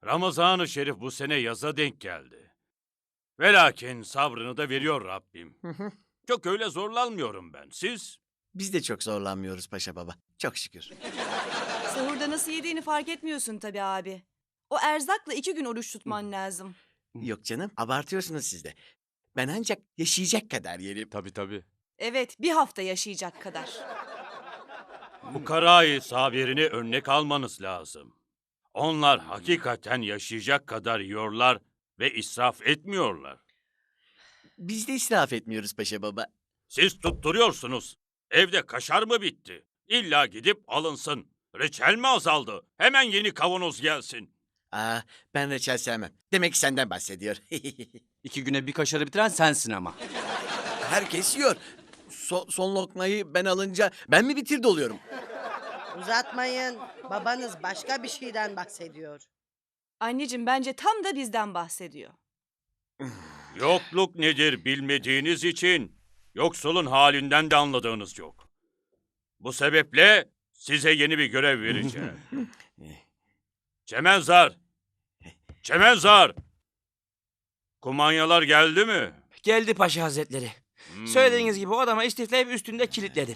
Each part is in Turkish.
Ramazan-ı Şerif bu sene yaza denk geldi. Velakin sabrını da veriyor Rabbim. Çok öyle zorlanmıyorum ben. Siz? Biz de çok zorlanmıyoruz Paşa Baba. Çok şükür. Sahurda nasıl yediğini fark etmiyorsun tabii abi. O erzakla 2 gün oruç tutman lazım. Yok canım, abartıyorsunuz siz de. Ben ancak yaşayacak kadar yerim. Tabii. Evet, bir hafta yaşayacak kadar. Fukarayı sabirini örnek almanız lazım. Onlar hakikaten yaşayacak kadar yiyorlar ve israf etmiyorlar. Biz de israf etmiyoruz Paşa Baba. Siz tutturuyorsunuz. Evde kaşar mı bitti? İlla gidip alınsın. Reçel mi azaldı? Hemen yeni kavanoz gelsin. Ben reçel sevmem. Demek ki senden bahsediyor. 2 güne bir kaşarı bitiren sensin ama. Herkes yiyor. Son lokmayı ben alınca ben mi bitirdi oluyorum? Uzatmayın. Babanız başka bir şeyden bahsediyor. Anneciğim bence tam da bizden bahsediyor. Yokluk nedir bilmediğiniz için yoksulun halinden de anladığınız yok. Bu sebeple size yeni bir görev vereceğim. Çemenzar! Çemenzar! Kumanyalar geldi mi? Geldi Paşa Hazretleri. Söylediğiniz gibi odama istifleyip üstünde kilitledim.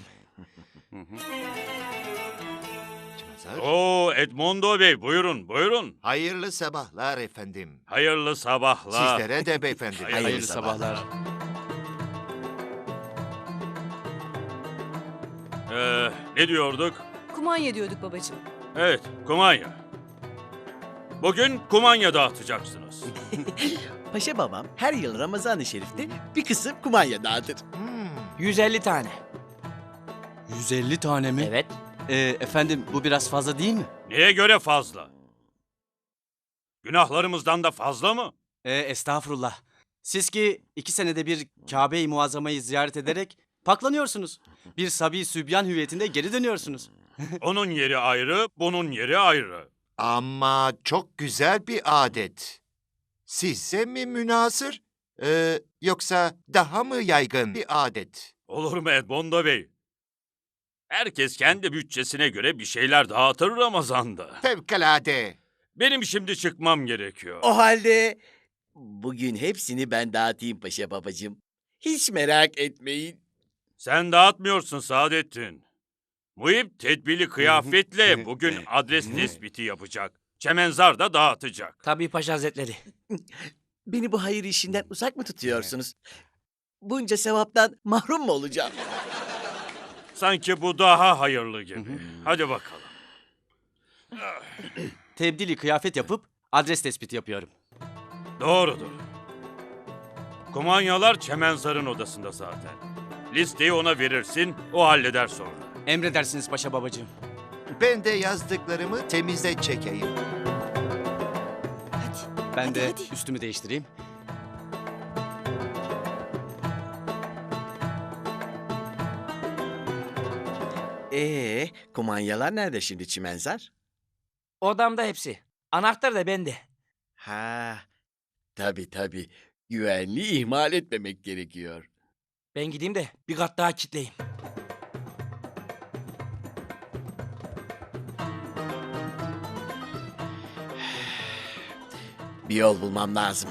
Oo Edmondo Bey buyurun. Hayırlı sabahlar efendim. Hayırlı sabahlar. Sizlere de beyefendi. Hayırlı sabahlar. Ne diyorduk? Kumanya diyorduk babacığım. Evet, kumanya. Bugün kumanya dağıtacaksınız. Paşa Babam her yıl Ramazan-ı Şerif'te bir kısım kumanya dağıtır. 150 tane. 150 tane mi? Evet. Efendim bu biraz fazla değil mi? Neye göre fazla? Günahlarımızdan da fazla mı? Estağfurullah. Siz ki 2 senede bir Kabe-i Muazzama'yı ziyaret ederek paklanıyorsunuz. Bir sabi sübyan hüviyetinde geri dönüyorsunuz. Onun yeri ayrı, bunun yeri ayrı. Ama çok güzel bir adet. Size mi münhasır? Yoksa daha mı yaygın bir adet? Olur mu Edmondo Bey? Herkes kendi bütçesine göre bir şeyler dağıtır Ramazan'da. Fevkalade. Benim şimdi çıkmam gerekiyor. O halde bugün hepsini ben dağıtayım Paşa Babacığım. Hiç merak etmeyin. Sen dağıtmıyorsun Saadettin. Muhip tedbirli kıyafetle bugün adres tespiti yapacak. Çemenzar da dağıtacak. Tabii Paşa Hazretleri. Beni bu hayır işinden uzak mı tutuyorsunuz? Bunca sevaptan mahrum mu olacağım? Sanki bu daha hayırlı gibi. Hadi bakalım. Tebdili kıyafet yapıp adres tespiti yapıyorum. Doğrudur. Kumanyalar Çemenzar'ın odasında zaten. Listeyi ona verirsin, o halleder sonra. Emredersiniz Paşa Babacığım. Ben de yazdıklarımı temize çekeyim. Hadi. Ben hadi, de hadi. üstümü değiştireyim. Kumanyalar nerede şimdi Çimenzar? Odamda hepsi. Anahtar da bende. Tabii. Güvenliği ihmal etmemek gerekiyor. Ben gideyim de bir kat daha kilitleyeyim. Bir yol bulmam lazım.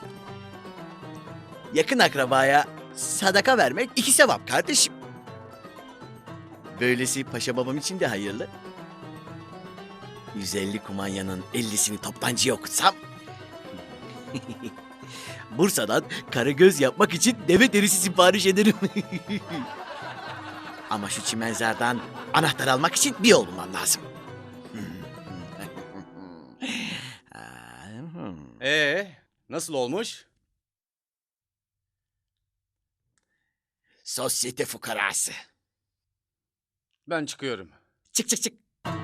Yakın akrabaya sadaka vermek 2 sevap kardeşim. Böylesi Paşa Babam için de hayırlı. 150 kumanyanın 50'sini toptancıya okutsam... Bursa'dan karagöz yapmak için deve derisi sipariş ederim. Ama şu çimenzardan anahtar almak için bir yol bulmam lazım. Nasıl olmuş? Sosyete fukarası. Ben çıkıyorum. Çık.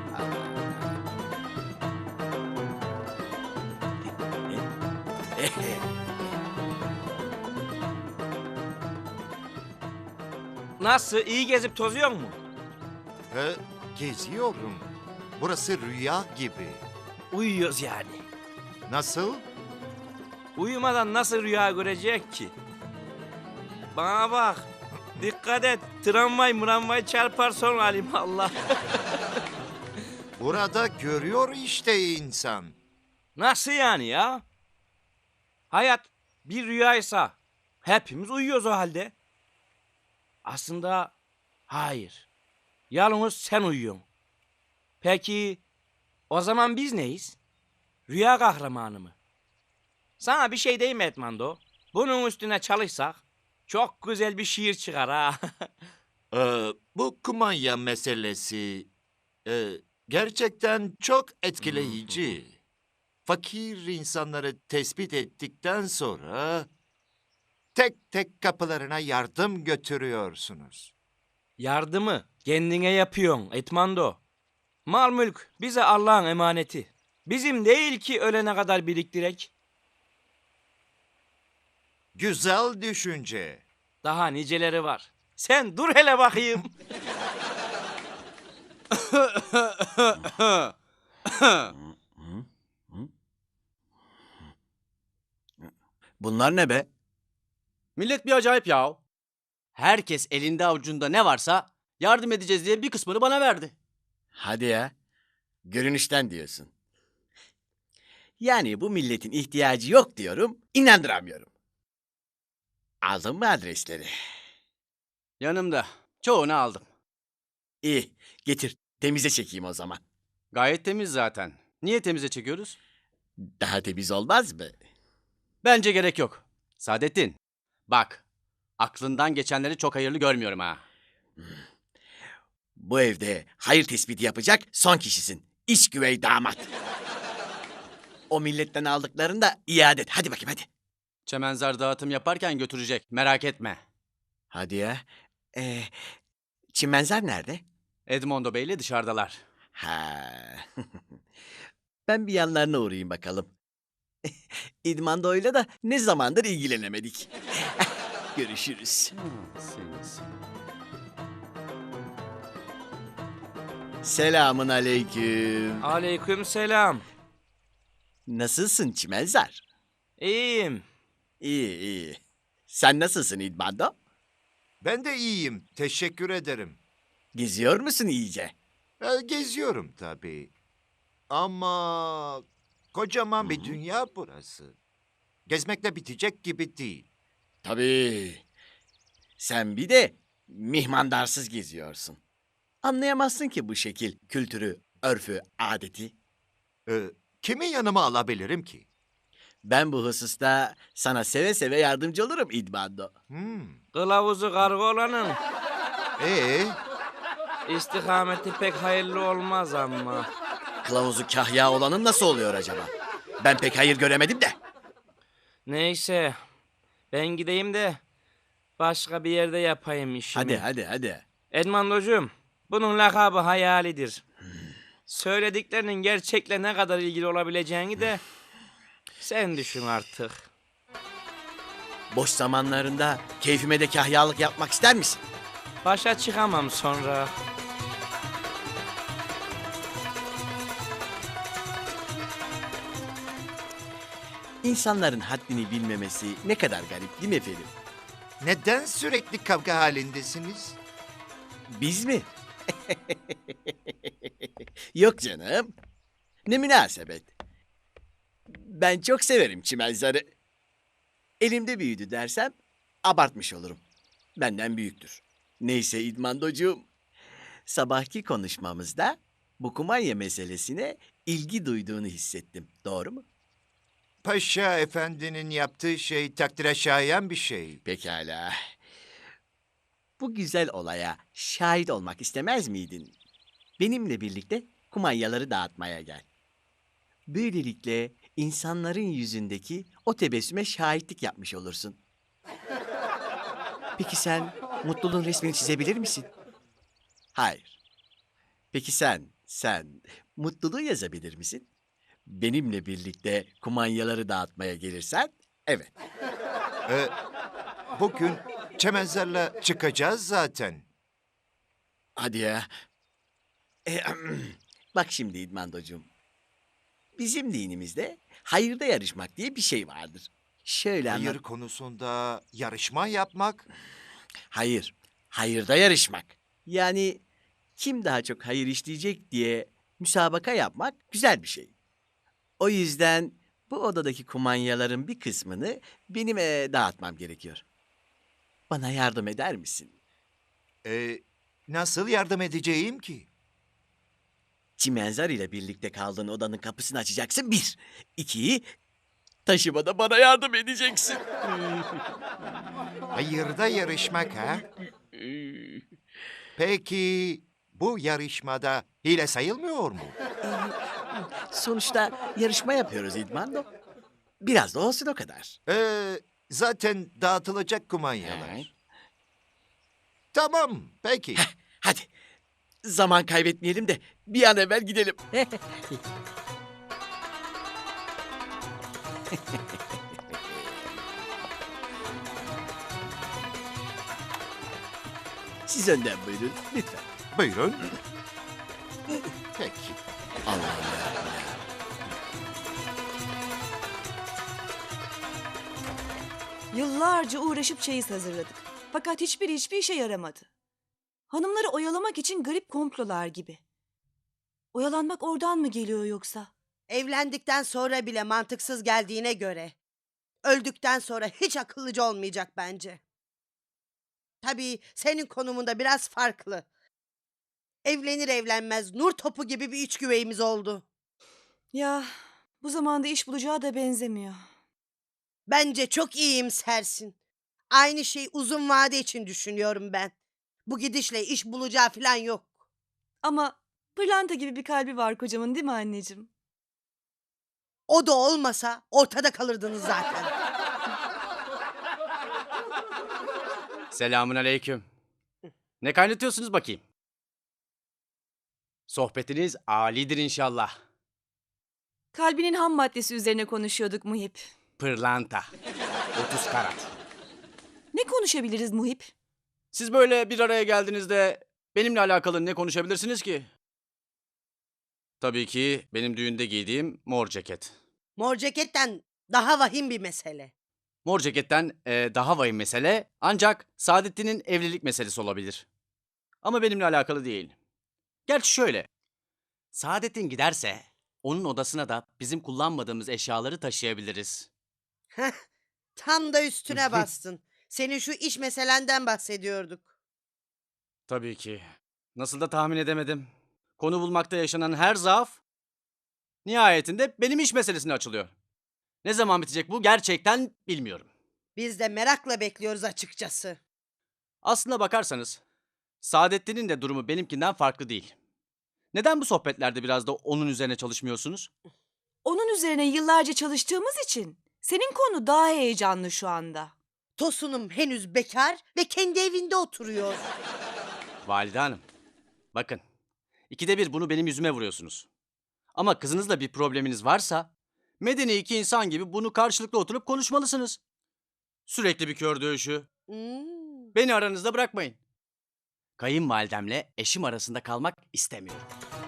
Nasıl? İyi gezip tozuyor mu? Geziyorum. Burası rüya gibi. Uyuyoruz yani. Nasıl? Uyumadan nasıl rüya görecek ki? Bana bak. Dikkat et. Tramvay çarpar sonra alimallah. Burada görüyor işte insan. Nasıl yani ya? Hayat bir rüyaysa hepimiz uyuyoruz o halde. Aslında hayır. Yalnız sen uyuyorsun. Peki o zaman biz neyiz? Rüya kahramanı mı? Sana bir şey diyeyim mi Edmando? Bunun üstüne çalışsak çok güzel bir şiir çıkar ha. Bu kumanya meselesi gerçekten çok etkileyici. Fakir insanları tespit ettikten sonra tek tek kapılarına yardım götürüyorsunuz. Yardımı kendine yapıyorsun Edmando. Mal mülk bize Allah'ın emaneti. Bizim değil ki ölene kadar biriktirek. Güzel düşünce. Daha niceleri var. Sen dur hele bakayım. Bunlar ne be? Millet bir acayip ya. Herkes elinde avucunda ne varsa yardım edeceğiz diye bir kısmını bana verdi. Hadi ya. Görünüşten diyorsun. Yani bu milletin ihtiyacı yok diyorum, inandıramıyorum. Aldın mı adresleri? Yanımda. Çoğunu aldım. İyi, getir. Temize çekeyim o zaman. Gayet temiz zaten. Niye temize çekiyoruz? Daha temiz olmaz mı? Bence gerek yok. Saadettin, bak. Aklından geçenleri çok hayırlı görmüyorum ha. Bu evde hayır tespiti yapacak son kişisin. İç güvey damat. O milletten aldıklarını da iade et. Hadi bakayım hadi. Çemenzar dağıtım yaparken götürecek. Merak etme. Hadi ya. Çimenzer nerede? Edmondo Bey'le dışarıdalar. Ha. Ben bir yanlarına uğrayayım bakalım. İdmando'yla da ne zamandır ilgilenemedik. Görüşürüz. Selamun aleyküm. Aleyküm selam. Nasılsın Çimenzer? İyiyim. İyi iyi. Sen nasılsın İdmando? Ben de iyiyim, teşekkür ederim. Geziyor musun iyice? Geziyorum tabii. Ama kocaman bir dünya burası. Gezmekle bitecek gibi değil. Tabii. Sen bir de mihmandarsız geziyorsun. Anlayamazsın ki bu şekil kültürü, örfü, adeti. Kimi yanıma alabilirim ki? Ben bu hususta sana seve seve yardımcı olurum İdmando. Kılavuzu karga olanın Ee, istikameti pek hayırlı olmaz ama. Kılavuzu kahya olanın nasıl oluyor acaba? Ben pek hayır göremedim de. Neyse ben gideyim de başka bir yerde yapayım işimi. Hadi. Edmandocuğum bunun lakabı hayalidir. Söylediklerinin gerçekle ne kadar ilgili olabileceğini de sen düşün artık. Boş zamanlarında keyfime de kahyalık yapmak ister misin? Başa çıkamam sonra. İnsanların haddini bilmemesi ne kadar garip değil mi efendim? neden sürekli kavga halindesiniz? Biz mi? Yok canım. Ne münasebet. Ben çok severim çimenzarı. Elimde büyüdü dersem abartmış olurum. Benden büyüktür. Neyse İdmandocuğum. Sabahki konuşmamızda bu kumanya meselesine ilgi duyduğunu hissettim. Doğru mu? Paşa efendinin yaptığı şey takdire şayan bir şey. Pekala. Bu güzel olaya şahit olmak istemez miydin? Benimle birlikte kumanyaları dağıtmaya gel. Böylelikle insanların yüzündeki o tebessüme şahitlik yapmış olursun. Peki sen mutluluğun resmini çizebilir misin? Hayır. Peki sen mutluluğu yazabilir misin? Benimle birlikte kumanyaları dağıtmaya gelirsen, evet. Bugün çemenzerle çıkacağız zaten. Hadi ya. Bak şimdi İdmandocuğum. Bizim dinimizde hayırda yarışmak diye bir şey vardır. Şöyle Hayır anlat. konusunda yarışma yapmak. Hayır. Hayırda yarışmak. Yani kim daha çok hayır işleyecek diye müsabaka yapmak güzel bir şey. O yüzden bu odadaki kumanyaların bir kısmını benim dağıtmam gerekiyor. Bana yardım eder misin? Nasıl yardım edeceğim ki? Çimenzar ile birlikte kaldığın odanın kapısını açacaksın. Bir. İki. Taşımada bana yardım edeceksin. Hayırda yarışmak ha? Peki bu yarışmada hile sayılmıyor mu? Sonuçta yarışma yapıyoruz İdmando. Biraz da olsun o kadar. Zaten dağıtılacak kumanyalar. Tamam, peki. Hadi. Zaman kaybetmeyelim de bir an evvel gidelim. Siz önden buyurun lütfen. Buyurun. Peki. Allah Allah. Yıllarca uğraşıp çeyiz hazırladık. Fakat hiçbir işe yaramadı. Hanımları oyalamak için garip komplolar gibi. Oyalanmak oradan mı geliyor yoksa? Evlendikten sonra bile mantıksız geldiğine göre öldükten sonra hiç akıllıca olmayacak bence. Tabii senin konumunda biraz farklı. Evlenir evlenmez nur topu gibi bir iç güveyimiz oldu. Ya bu zamanda iş bulacağı da benzemiyor. Bence çok iyimsersin. Aynı şeyi uzun vade için düşünüyorum ben. Bu gidişle iş bulacağı falan yok. Ama pırlanta gibi bir kalbi var kocamın, değil mi anneciğim? O da olmasa ortada kalırdınız zaten. Selamun aleyküm. Ne kaynatıyorsunuz bakayım? Sohbetiniz âlidir inşallah. Kalbinin ham maddesi üzerine konuşuyorduk Muhip. Pırlanta. 30 karat. Ne konuşabiliriz Muhip? Siz böyle bir araya geldiğinizde benimle alakalı ne konuşabilirsiniz ki? Tabii ki benim düğünde giydiğim mor ceket. Mor ceketten daha vahim bir mesele. Mor ceketten daha vahim mesele ancak Saadettin'in evlilik meselesi olabilir. Ama benimle alakalı değil. Gerçi şöyle. Saadettin giderse onun odasına da bizim kullanmadığımız eşyaları taşıyabiliriz. Heh, tam da üstüne bastın. Senin şu iş meselenden bahsediyorduk. Tabii ki. Nasıl da tahmin edemedim. Konu bulmakta yaşanan her zaaf nihayetinde benim iş meselesine açılıyor. Ne zaman bitecek bu gerçekten bilmiyorum. Biz de merakla bekliyoruz açıkçası. Aslına bakarsanız Saadettin'in de durumu benimkinden farklı değil. Neden bu sohbetlerde biraz da onun üzerine çalışmıyorsunuz? Onun üzerine yıllarca çalıştığımız için senin konu daha heyecanlı şu anda. Tosunum henüz bekar ve kendi evinde oturuyor. Valide Hanım, bakın. İkide bir bunu benim yüzüme vuruyorsunuz. Ama kızınızla bir probleminiz varsa medeni iki insan gibi bunu karşılıklı oturup konuşmalısınız. Sürekli bir kör dövüşü. Beni aranızda bırakmayın. Kayınvalidemle eşim arasında kalmak istemiyorum.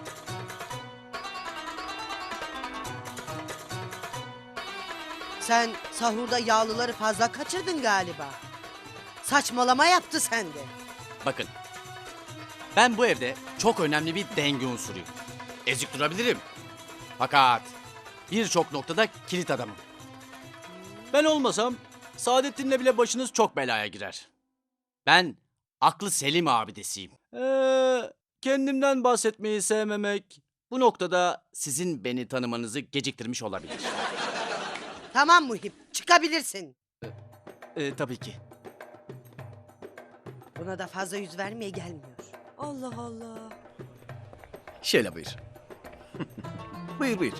Sen sahurda yağlıları fazla kaçırdın galiba. Saçmalama yaptı sende. Bakın, ben bu evde çok önemli bir denge unsuruyum. Ezik durabilirim. Fakat birçok noktada kilit adamım. Ben olmasam Saadettin'le bile başınız çok belaya girer. Ben aklı selim abidesiyim. Kendimden bahsetmeyi sevmemek bu noktada sizin beni tanımanızı geciktirmiş olabilir. Tamam Muhip, çıkabilirsin. Tabii ki. Buna da fazla yüz vermeye gelmiyor. Allah Allah. Şöyle buyur. Buyur buyur.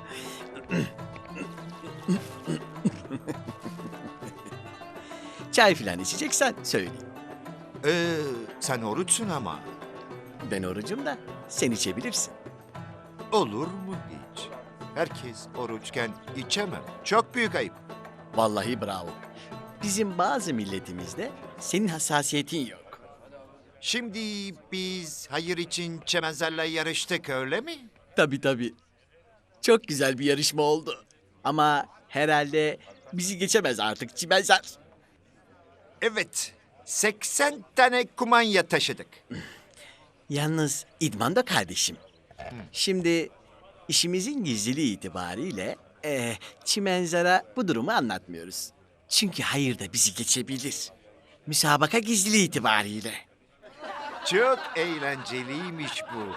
Çay filan içeceksen söyleyeyim. Sen oruçsun ama. Ben orucum da sen içebilirsin. Olur mu hiç? Herkes oruçken içemem. Çok büyük ayıp. Vallahi bravo. Bizim bazı milletimizde senin hassasiyetin yok. Şimdi biz hayır için çemenzerle yarıştık öyle mi? Tabii tabii. Çok güzel bir yarışma oldu. Ama herhalde bizi geçemez artık Çimenzar. Evet. 80 tane kumanya taşıdık. Yalnız İdman da kardeşim. Şimdi işimizin gizliliği itibariyle Çimenzar'a bu durumu anlatmıyoruz. Çünkü hayır da bizi geçebilir. Müsabaka gizliliği itibariyle. Çok eğlenceliymiş bu.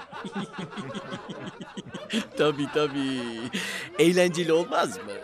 Tabii. Eğlenceli olmaz mı?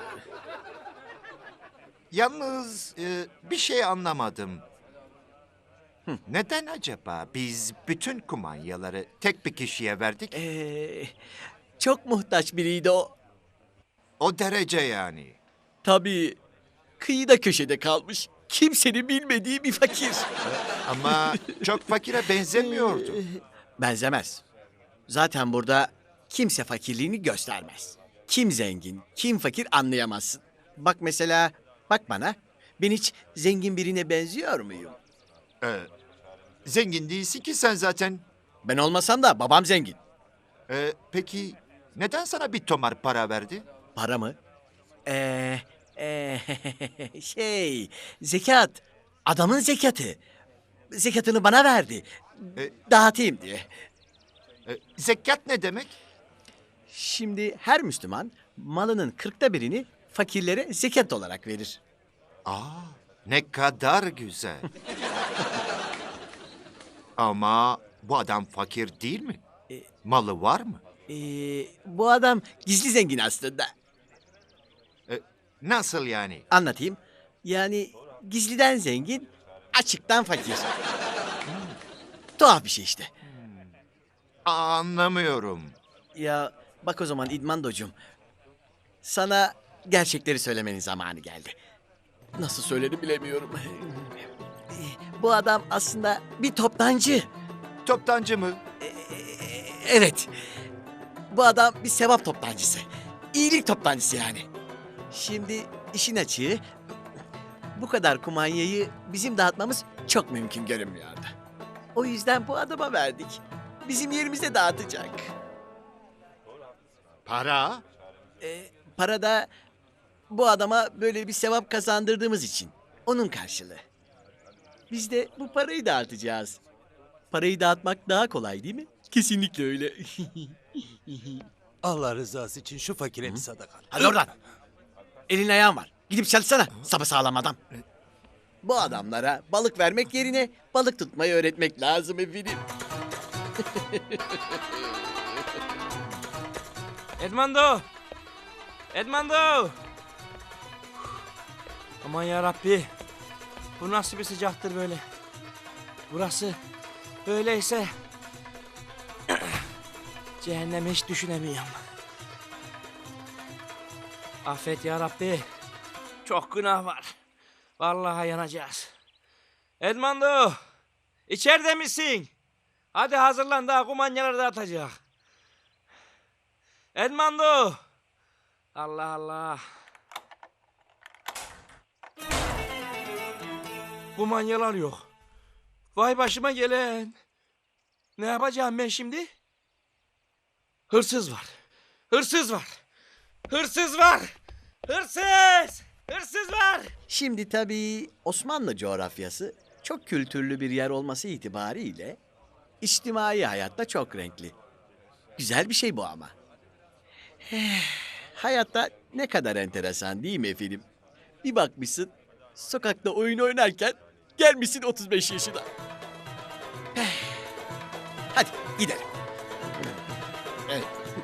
Yalnız bir şey anlamadım. Neden acaba biz bütün kumanyaları tek bir kişiye verdik? Çok muhtaç biriydi o. O derece yani. Tabii. Kıyıda köşede kalmış. Kimsenin bilmediği bir fakir. Ama çok fakire benzemiyordu. Benzemez. Zaten burada kimse fakirliğini göstermez. Kim zengin, kim fakir anlayamazsın. Bak mesela, bak bana. Ben hiç zengin birine benziyor muyum? Zengin değilsin ki sen zaten. Ben olmasam da babam zengin. Peki neden sana bir tomar para verdi? Para mı? Zekat. Adamın zekatı. Zekatını bana verdi. Dağıtayım diye. Zekat ne demek? Şimdi her Müslüman malının 1/40'ını fakirlere zekat olarak verir. Ne kadar güzel. Ama bu adam fakir değil mi? Malı var mı? Bu adam gizli zengin aslında. Nasıl yani? Anlatayım. Yani gizliden zengin, açıktan fakir. Tuhaf bir şey işte. Anlamıyorum. Ya bak o zaman İdmandocuğum. Sana gerçekleri söylemenin zamanı geldi. Nasıl söyledim bilemiyorum. Bu adam aslında bir toptancı. Toptancı mı? Evet. Bu adam bir sevap toptancısı. İyilik toptancısı yani. Şimdi işin açığı bu kadar kumanyayı bizim dağıtmamız çok mümkün görünmüyordu. O yüzden bu adama verdik. Bizim yerimizde dağıtacak. Para? Para da bu adama böyle bir sevap kazandırdığımız için. Onun karşılığı. Biz de bu parayı dağıtacağız. Parayı dağıtmak daha kolay değil mi? Kesinlikle öyle. Allah rızası için şu fakire bir sadaka. Hadi oradan. Elin ayağın var. Gidip çalışsana sapasağlam adam. Bu adamlara balık vermek yerine balık tutmayı öğretmek lazım efendim. Edmando! Edmando! Aman ya Rabbi. Bu nasıl bir sıcaktır böyle? Burası böyleyse cehennemi hiç düşünemiyorum. Affet ya Rabbi. Çok günah var. Vallahi yanacağız. Edmando! İçeride misin? Hadi hazırlan, daha kumanyaları dağıtacak. Edmando! Allah Allah. Kumanyalar yok. Vay başıma gelen. Ne yapacağım ben şimdi? Hırsız var. Hırsız var. Hırsız var. Hırsız! Hırsız var. Şimdi tabii Osmanlı coğrafyası çok kültürlü bir yer olması itibariyle içtimai hayatta çok renkli. Güzel bir şey bu ama. Hayatta ne kadar enteresan değil mi efendim? Bir bakmışsın sokakta oyun oynarken gelmişsin 35 yaşına. Hadi gidelim. Evet.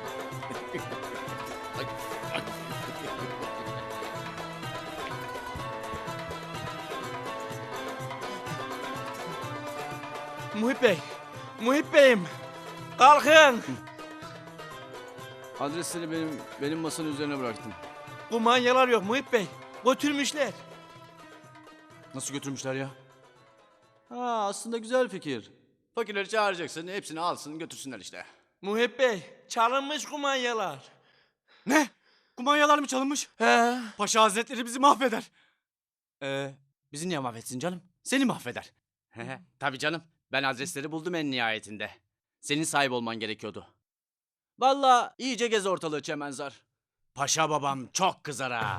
Muhip Bey. Muhip Bey'im. Kalkın. Adresleri benim masanın üzerine bıraktım. Kumanyalar yok Muhip Bey. Götürmüşler. Nasıl götürmüşler ya? Ha, aslında güzel fikir. Fakirleri çağıracaksın, hepsini alsın götürsünler işte. Muhip Bey, çalınmış kumanyalar. Ne? Kumanyalar mı çalınmış? He. Paşa Hazretleri bizi mahveder. Bizi niye mahvetsin canım? Seni mahveder. Tabii canım. Ben adresleri buldum en nihayetinde. Senin sahip olman gerekiyordu. Vallahi iyice gez ortalığı Çemenzar. Paşa babam çok kızar ha.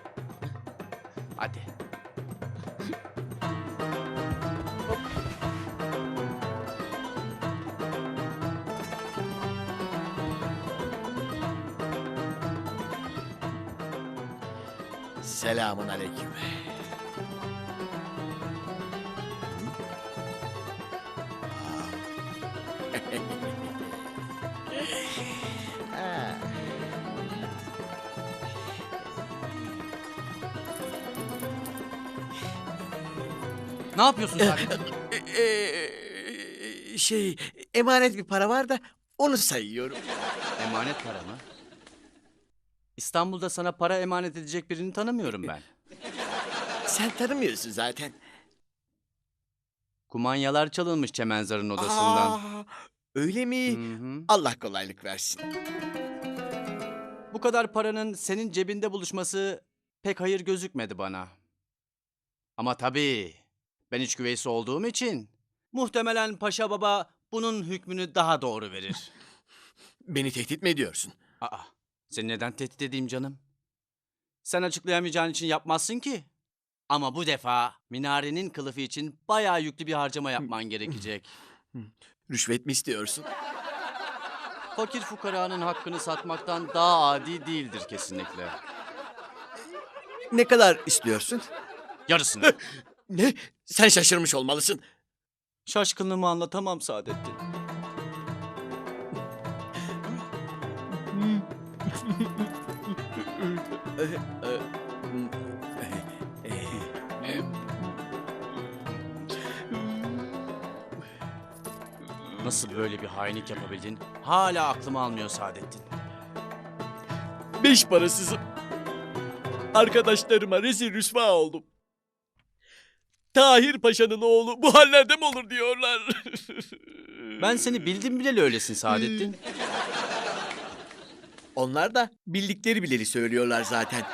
Hadi. Selamun aleyküm. Ne yapıyorsun Saadettin? Emanet bir para var da onu sayıyorum. Emanet para mı? İstanbul'da sana para emanet edecek birini tanımıyorum ben. Sen tanımıyorsun zaten. Kumanyalar çalınmış Çemenzar'ın odasından. Öyle mi? Hı hı. Allah kolaylık versin. Bu kadar paranın senin cebinde buluşması pek hayır gözükmedi bana. Ama tabii ben iç güveysi olduğum için muhtemelen Paşa Baba bunun hükmünü daha doğru verir. Beni tehdit mi ediyorsun? Aa, seni neden tehdit edeyim canım? Sen açıklayamayacağın için yapmazsın ki. Ama bu defa minarenin kılıfı için bayağı yüklü bir harcama yapman gerekecek. Rüşvet mi istiyorsun? Fakir fukaranın hakkını satmaktan daha adi değildir kesinlikle. Ne kadar istiyorsun? Yarısını. Ne? Sen şaşırmış olmalısın. Şaşkınlığımı anlatamam Saadettin. Nasıl böyle bir hainlik yapabildin? Hala aklımı almıyor Saadettin. 5 parasızım. Arkadaşlarıma rezil rüsva oldum. Tahir Paşa'nın oğlu bu hallerde mi olur diyorlar. Ben seni bildim bileli öylesin Saadettin. Onlar da bildikleri bileli söylüyorlar zaten.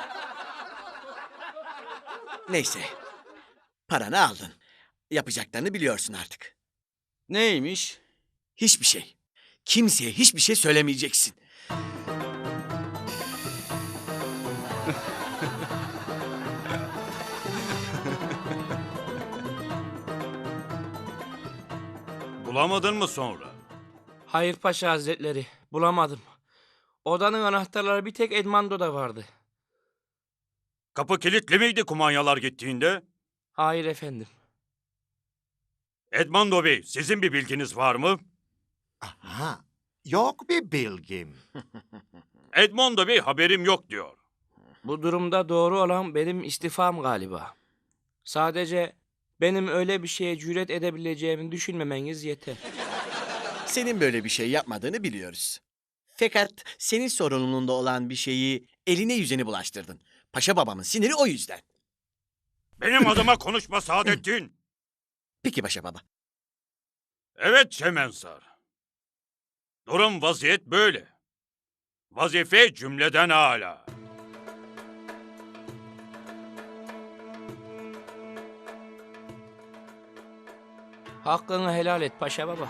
Neyse. Paranı aldın. Yapacaklarını biliyorsun artık. Neymiş? Hiçbir şey. Kimseye hiçbir şey söylemeyeceksin. Bulamadın mı sonra? Hayır Paşa Hazretleri, bulamadım. Odanın anahtarları bir tek Edmando'da vardı. Kapı kilitli miydi kumanyalar gittiğinde? Hayır efendim. Edmando Bey, sizin bir bilginiz var mı? Aha, yok bir bilgim. Edmando Bey haberim yok diyor. Bu durumda doğru olan benim istifam galiba. Sadece benim öyle bir şeye cüret edebileceğimi düşünmemeniz yeter. Senin böyle bir şey yapmadığını biliyoruz. Fakat senin sorumluluğunda olan bir şeyi eline yüzüne bulaştırdın. Paşa babamın siniri o yüzden. Benim adıma konuşma Saadettin. Peki Paşa baba. Evet Çemensar. Durum vaziyet böyle. Vazife cümleden âlâ. Hakkını helal et Paşa Baba.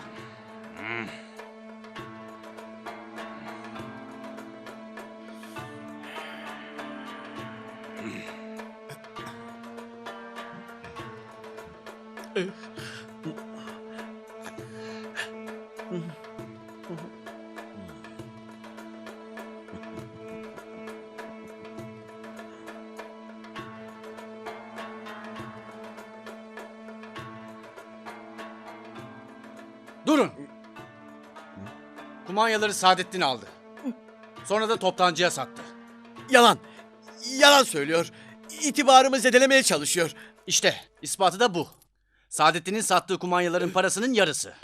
Durun! Kumanyaları Saadettin aldı. Sonra da toptancıya sattı. Yalan. Yalan söylüyor. İtibarımı zedelemeye çalışıyor. İşte ispatı da bu. Saadettin'in sattığı kumanyaların parasının yarısı.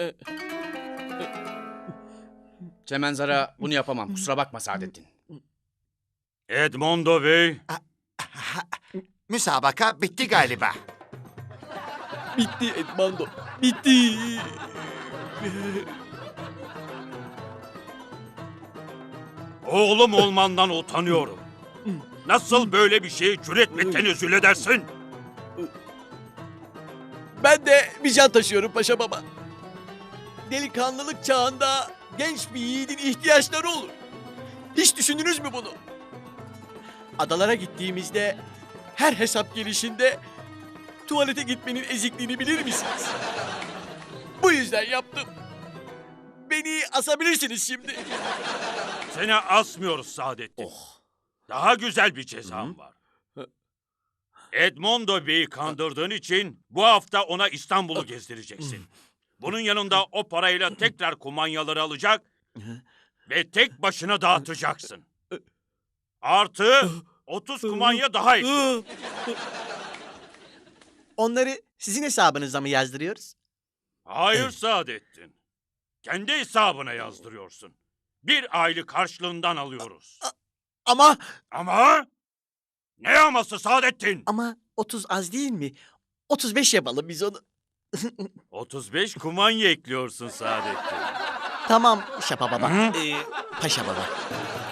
Çemenzar'a bunu yapamam. Kusura bakma Saadettin. Edmondo Bey, Müsabaka bitti galiba. Bitti Edmando. Bitti. oğlum olmandan utanıyorum. Nasıl böyle bir şeye cüret ve tenezzül edersin? Ben de bir can taşıyorum Paşa baba. Delikanlılık çağında genç bir yiğidin ihtiyaçları olur. Hiç düşündünüz mü bunu? Adalara gittiğimizde her hesap gelişinde tuvalete gitmenin ezikliğini bilir misiniz? Bu yüzden yaptım. Beni asabilirsiniz şimdi. Seni asmıyoruz Saadettin. Daha güzel bir cezam var. Edmondo Bey'i kandırdığın için bu hafta ona İstanbul'u gezdireceksin. Bunun yanında o parayla tekrar kumanyaları alacak ve tek başına dağıtacaksın. Artı 30 kumanya daha ekle. Onları sizin hesabınıza mı yazdırıyoruz? Hayır Saadettin. Kendi hesabına yazdırıyorsun. Bir aylık karşılığından alıyoruz. Ama Ama ne aması Saadettin? 30 az değil mi? 35 yapalım biz onu. 35 kumanya ekliyorsun Saadettin. Tamam Şapa Baba. Hı? Paşa Baba.